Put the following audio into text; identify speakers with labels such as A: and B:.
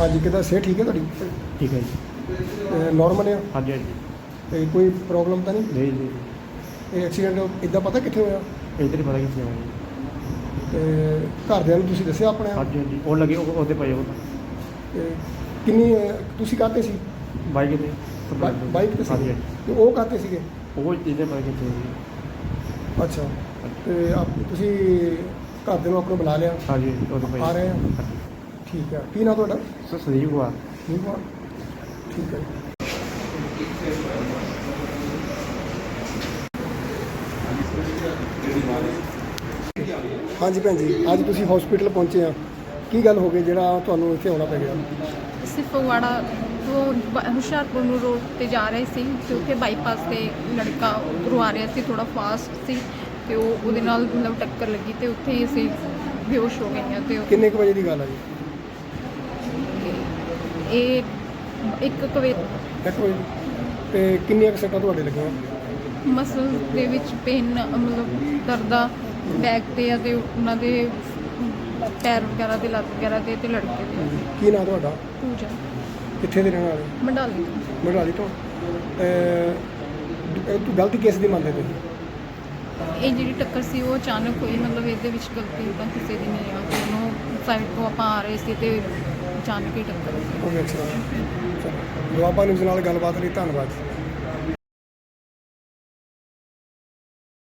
A: ਹਾਂਜੀ ਕਿੱਦਾਂ ਸਿਹਤ ਠੀਕ ਹੈ ਤੁਹਾਡੀ?
B: ਠੀਕ ਹੈ ਜੀ।
A: ਨੋਰਮਲ ਆ?
B: ਹਾਂਜੀ ਹਾਂਜੀ।
A: ਤੇ ਕੋਈ ਪ੍ਰੋਬਲਮ ਤਾਂ ਨਹੀਂ?
B: ਨਹੀਂ ਜੀ,
A: ਇਹ ਐਕਸੀਡੈਂਟ ਇੱਦਾਂ ਪਤਾ ਕਿੱਥੇ ਹੋਇਆ?
B: ਇੱਧਰ ਹੀ ਪਤਾ ਕਿੱਥੇ ਆਇਆ ਜੀ।
A: ਤੇ ਘਰਦਿਆਂ ਨੂੰ ਤੁਸੀਂ ਦੱਸਿਆ ਆਪਣੇ?
B: ਹਾਂਜੀ ਹਾਂਜੀ, ਉਹ ਲੱਗੇ ਉਹਦੇ ਪਏ ਉਹ
A: ਤੇ ਕਿੰਨੀ ਤੁਸੀਂ ਕਾਹਤੇ ਸੀ?
B: ਬਾਈਕ ਤੇ
A: ਬਾਈਕ ਤੇ ਸੀ?
B: ਹਾਂਜੀ ਹਾਂਜੀ।
A: ਤੇ ਉਹ ਕਾਹਤੇ ਸੀਗੇ?
B: ਉਹ ਇੱਧਰ ਪਤਾ ਕਿੱਥੇ ਜੀ।
A: ਅੱਛਾ ਤੇ ਤੁਸੀਂ ਘਰਦਿਆਂ ਨੂੰ ਆਪਣੇ ਬੁਲਾ ਲਿਆ?
B: ਹਾਂਜੀ ਹਾਂਜੀ, ਉਹਦੇ ਪਏ
A: ਆ ਰਹੇ ਆ?
B: ਹਾਂਜੀ।
A: ਠੀਕ ਹੈ। ਕੀ ਨਾਂ ਤੁਹਾਡਾ?
B: ਸਰ ਸੰਦੀਪ ਕੁਮਾਰ।
A: ਠੀਕ ਆ, ਠੀਕ ਹੈ। ਹਾਂਜੀ ਭੈਣ ਜੀ, ਅੱਜ ਤੁਸੀਂ ਹਸਪੀਟਲ ਪਹੁੰਚੇ ਆ, ਕੀ ਗੱਲ ਹੋ ਗਈ ਜਿਹੜਾ ਤੁਹਾਨੂੰ ਇੱਥੇ ਆਉਣਾ ਪੈ ਗਿਆ?
C: ਅਸੀਂ ਫਗਵਾੜਾ ਤੋਂ ਹੁਸ਼ਿਆਰਪੁਰ ਨੂੰ ਰੋਡ ਤੇ ਜਾ ਰਹੇ ਸੀ ਤੇ ਉੱਥੇ ਬਾਈਪਾਸ ਤੇ ਲੜਕਾ ਉੱਧਰੋਂ ਆ ਰਿਹਾ ਸੀ, ਥੋੜਾ ਫਾਸਟ ਸੀ ਤੇ ਉਹਦੇ ਨਾਲ ਮਤਲਬ ਟੱਕਰ ਲੱਗੀ ਤੇ ਉੱਥੇ ਹੀ ਅਸੀਂ ਬੇਹੋਸ਼ ਹੋ ਗਏ ਹਾਂ। ਤੇ
A: ਕਿੰਨੇ ਕੁ ਵਜੇ ਦੀ ਗੱਲ ਆ ਜੀ?
C: ਇਹ 1 ਵਜੇ
A: 1 ਵਜੇ। ਤੇ ਕਿੰਨੀਆਂ ਕੁ ਸੱਟਾਂ ਤੁਹਾਡੇ ਲੱਗੀਆਂ?
C: ਮਸਲ ਦੇ ਵਿੱਚ ਪੇਨ ਮਤਲਬ ਦਰਦਾ ਬੈਕ ਤੇ ਆ ਤੇ ਉਹਨਾਂ ਦੇ ਪੈਰ ਵਗੈਰਾ ਤੇ ਲੱਤ ਵਗੈਰਾ ਤੇ ਲੜਕੇ ਦੇ।
A: ਕੀ ਨਾਂ ਤੁਹਾਡਾ?
C: ਪੂਜਾ
A: ਕਿੱਥੇ ਦੇ ਰਹਿਣ ਵਾਲੇ?
C: ਮੰਡਾਲੀ।
A: ਮਢਾਲੀ ਤੋਂ। ਗਲਤੀ ਕਿਸ ਦੀ ਮੰਨਦੇ ਤੁਸੀਂ?
C: ਇਹ ਜਿਹੜੀ ਟੱਕਰ ਸੀ ਉਹ ਅਚਾਨਕ ਹੋਈ, ਮਤਲਬ ਇਹਦੇ ਵਿੱਚ ਗਲਤੀ ਤਾਂ ਕਿਸੇ ਦੀ ਨਹੀਂ ਆ। ਤੇ ਉਹਨੂੰ ਸਾਈਡ ਤੋਂ ਆਪਾਂ ਆ ਰਹੇ ਸੀ ਤੇ ਅਚਾਨਕ ਹੀ ਟੱਕਰ ਹੋਈ।
A: ਉਹ ਵੇਖ ਚਲੋ ਦੁਆਬਾ ਨਿਊਜ਼ ਨਾਲ ਗੱਲਬਾਤ ਲਈ ਧੰਨਵਾਦ।